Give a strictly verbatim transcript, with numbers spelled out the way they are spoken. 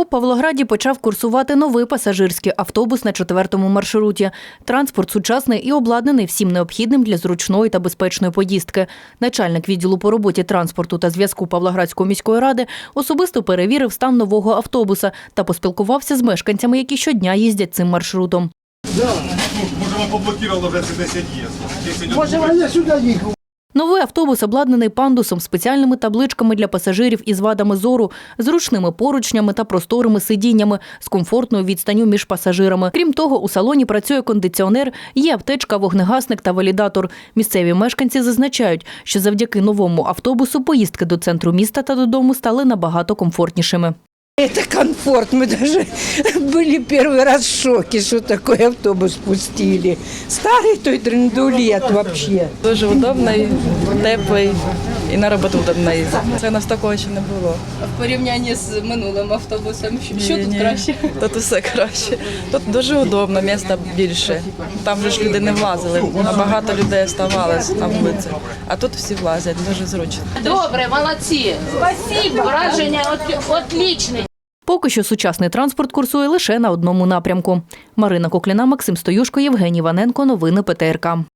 У Павлограді почав курсувати новий пасажирський автобус на четвертому маршруті. Транспорт сучасний і обладнаний всім необхідним для зручної та безпечної поїздки. Начальник відділу по роботі транспорту та зв'язку Павлоградської міської ради особисто перевірив стан нового автобуса та поспілкувався з мешканцями, які щодня їздять цим маршрутом. Да. Може, вам поблокувало вже це десять є. Може, я сюди їхав. Новий автобус обладнаний пандусом, спеціальними табличками для пасажирів із вадами зору, зручними поручнями та просторими сидіннями з комфортною відстанню між пасажирами. Крім того, у салоні працює кондиціонер, є аптечка, вогнегасник та валідатор. Місцеві мешканці зазначають, що завдяки новому автобусу поїздки до центру міста та додому стали набагато комфортнішими. Это комфорт. Мы даже были первый раз в шоке, что такой автобус пустили. Старый той драндулет вообще. Дуже удобний, теплий і на роботу удобно їздити. Це у нас такого ще не було. В порівнянні з минулим автобусом, що тут Ні-ні. краще? Тут усе краще. Тут дуже удобно, місця більше. Там же ж люди не влазили, а багато людей оставалось на вулиці. А тут всі влазять, дуже зручно. Добре, молодці. Спасибо. Враження отлічне. Поки що сучасний транспорт курсує лише на одному напрямку. Марина Кокліна, Максим Стоюшко, Євгеній Ваненко. Новини Пе Те Ер Ка.